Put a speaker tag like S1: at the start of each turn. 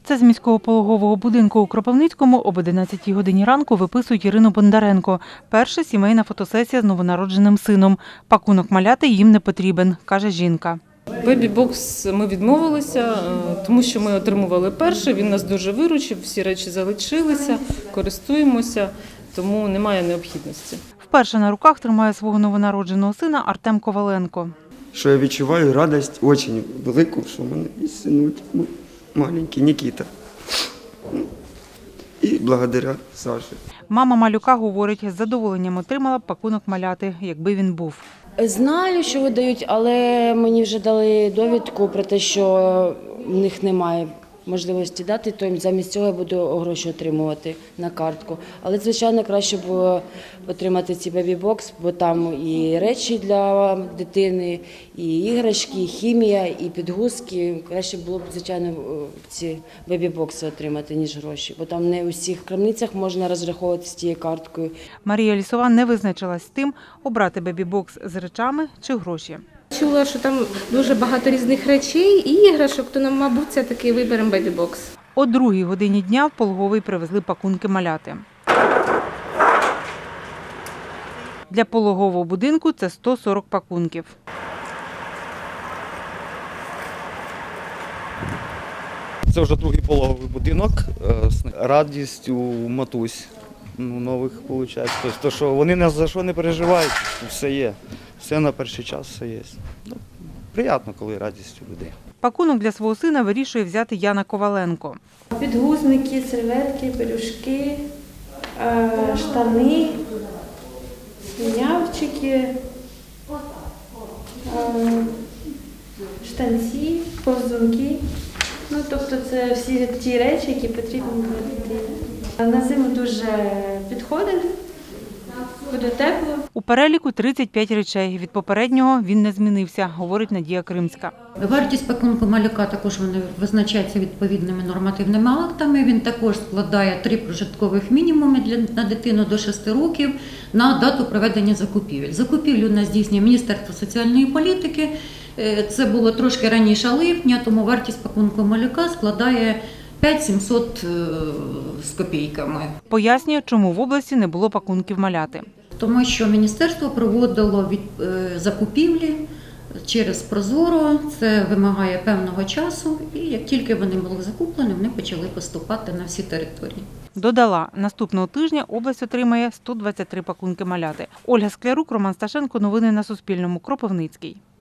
S1: Це з міського пологового будинку у Кропивницькому об 11 годині ранку виписують Ірину Бондаренко. Перша сімейна фотосесія з новонародженим сином. Пакунок маляти їм не потрібен, каже жінка.
S2: Бебі-бокс ми відмовилися, тому що ми отримували перший, він нас дуже виручив, всі речі залишилися, користуємося, тому немає необхідності.
S1: Вперше на руках тримає свого новонародженого сина Артем Коваленко.
S3: Що я відчуваю радість дуже велику, що в мене є синочок маленький Нікіта. І благодаря Саші.
S1: Мама малюка говорить, з задоволенням отримала б пакунок маляти, якби він був.
S4: Знаю, що видають, але мені вже дали довідку про те, що в них немає можливості дати, то замість цього я буду гроші отримувати на картку. Але, звичайно, краще було отримати цей бебі-бокс, бо там і речі для дитини, і іграшки, і хімія, і підгузки. Краще було б, звичайно, ці бебі-бокси отримати, ніж гроші, бо там не у всіх крамницях можна розраховувати з тією карткою.
S1: Марія Лісова не визначилась з тим, обрати бебі-бокс з речами чи гроші.
S5: Чула, що там дуже багато різних речей і іграшок, то нам, мабуть, все-таки виберемо бебі-бокс.
S1: О 2-й годині дня в пологовий привезли пакунки маляти. Для пологового будинку це 140 пакунків.
S6: Це вже другий пологовий будинок. Радість у матусь нових виходить. Тобто, що вони ні за що не переживають, все є. Все на перший час, все є. Приємно, коли радість у людей.
S1: Пакунок для свого сина вирішує взяти Яна Коваленко.
S7: Підгузники, серветки, пелюшки, штани, слюнявчики, штанці, повзунки. Ну, тобто це всі ті речі, які потрібні для дитини. На зиму дуже підходить, буде тепло.
S1: У переліку 35 речей. Від попереднього він не змінився, говорить Надія Кримська.
S8: Вартість пакунку малюка також визначається відповідними нормативними актами. Він також складає 3 прожиткових мінімуми на дитину до 6 років на дату проведення закупівель. Закупівлю у нас здійснює Міністерство соціальної політики. Це було трошки раніше липня, тому вартість пакунку малюка складає 5700 з копійками.
S1: Пояснює, чому в області не було пакунків маляти.
S8: Тому що міністерство проводило закупівлі через Прозоро, це вимагає певного часу, і як тільки вони були закуплені, вони почали поступати на всі території.
S1: Додала, наступного тижня область отримає 123 пакунки маляти. Ольга Склярук, Роман Сташенко. Новини на Суспільному. Кропивницький.